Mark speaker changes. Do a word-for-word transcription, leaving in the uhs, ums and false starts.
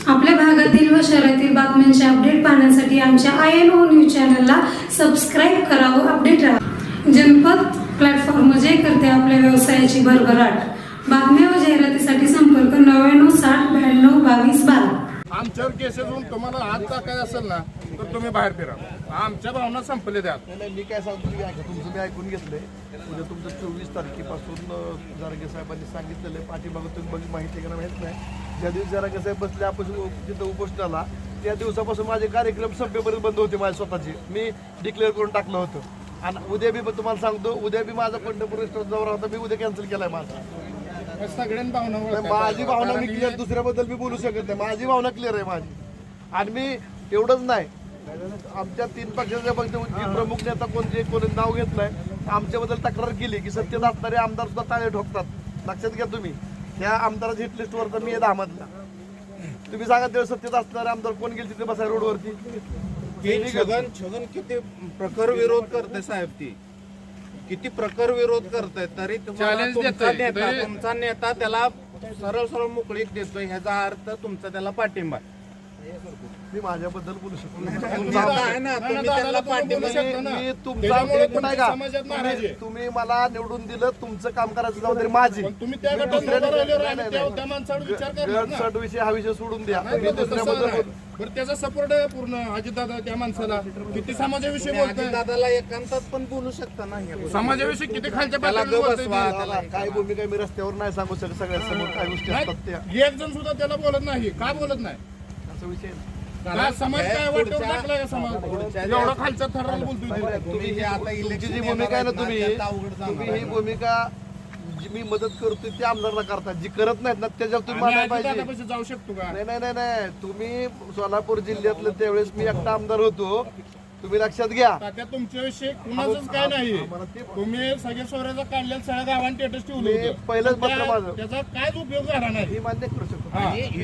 Speaker 1: आपल्या भागातील व शहरातील बातम्यांचे अपडेट पाहण्यासाठी आमच्या आय एन ओ न्यूज चॅनलला सबस्क्राईब करा व अपडेट राहा। जनपद प्लॅटफॉर्म जे करते आपल्या व्यवसायाची भरभराट। बातम्या व जाहिरातीसाठी संपर्क नव्याण्णव साठ ब्याण्णव बावीस बारा।
Speaker 2: आमच्यावर केसेस होऊन तुम्हाला हात टाकायचा असेल ना तर तुम्ही बाहेर फिरा। आमच्या भावना संपले द्या।
Speaker 3: मी काय सांगतो तुम्ही ऐका, तुमचं मी ऐकून घेतलंय। उद्या तुमचं चोवीस तारखेपासून जारगे साहेबांनी सांगितलेलं आहे, पाठीमागं तुम्ही बघ माहिती आहे का माहीत नाही, ज्या दिवशी जारगे साहेब बसले आपण तिथं उपोषणाला, त्या दिवसापासून माझे कार्यक्रम सभेपर्यंत बंद होते माझे स्वतःचे, मी डिक्लेअर करून टाकलं होतं। आणि उद्या बी तुम्हाला सांगतो, उद्या बी माझा पंढरपूर रेस्टॉरंट दौरा होता, मी उद्या कॅन्सल केलाय माझा।
Speaker 2: सगळ्यांनी भावना
Speaker 3: माझी भावना मी क्लिअर, दुसऱ्याबद्दल मी बोलू शकत नाही, माझी भावना क्लिअर आहे माझी। आणि मी एवढंच नाही, आमच्या तीन पक्षाच्या पक्ष प्रमुख नेता कोणते कोणी नाव घेतलंय, आमच्याबद्दल तक्रार केली की सत्तेत असणारे आमदार सुद्धा टाळे ठोकतात। लक्षात घ्या तुम्ही, त्या आमदाराच्या हिट लिस्टवर तर मी दहामधला। तुम्ही सांगा तेव्हा सत्तेत असणारे आमदार कोण गेले तिथे बसाय रोडवरती?
Speaker 4: छगन छगन किती प्रखर विरोध करते साहेब, ती किती प्रखर विरोध करताय तरी तुम्हाला तुमचा नेता तुमचा नेता त्याला सरळ सरळ मोकळीक देतोय, ह्याचा अर्थ तुमचा त्याला पाठिंबा।
Speaker 3: मी माझ्याबद्दल बोलू शकतो, तुम्ही मला निवडून दिलं, तुमचं काम करायचं जबाबदारी माझी। गट विषय हा विषय सोडून द्या, मी दुसऱ्याबद्दल
Speaker 2: त्याचा सपोर्ट आहे पूर्ण अजितदादा त्या माणसाला। किती समाजाविषयी बोलतोय,
Speaker 4: दादाला एकांतात पण बोलू शकता ना,
Speaker 2: समाजाविषयी किती खालच्या पातळीवर
Speaker 3: काय भूमिका मी रस्त्यावर नाही सांगू शकत, सगळ्यांसमोर काय गोष्टी असतात त्या।
Speaker 2: एक जण सुद्धा त्याला बोलत नाही, का बोलत नाही?
Speaker 3: असा विषय
Speaker 2: समाज काय वाटतं टाकलाय का समाज? एवढा खालचा थराला बोलतोय
Speaker 3: तुम्ही आता तुमची जी भूमिका आहे ना, तुम्ही तुम्ही ही भूमिका जी मी मदत करतोय त्या आमदारांना करता, जी करत नाहीत ना त्याच्यावर तुम्ही मानायला पाहिजे।
Speaker 2: जाऊ शकतो का?
Speaker 3: नाही नाही नाही नाही तुम्ही सोलापूर जिल्ह्यातलं त्यावेळेस मी एकटा आमदार होतो, तुम्ही लक्षात घ्या।
Speaker 2: तात्या तुमच्याविषयी कुणाचंच काय नाही, तुम्ही सगळे सोऱ्याचा काढलेलं सगळ्या गावांनी स्टेटस ठेवले,
Speaker 3: पहिलंच पत्र माझं,
Speaker 2: त्याचा कायच उपयोग झाला नाही
Speaker 3: हे मान्य करू शकतो।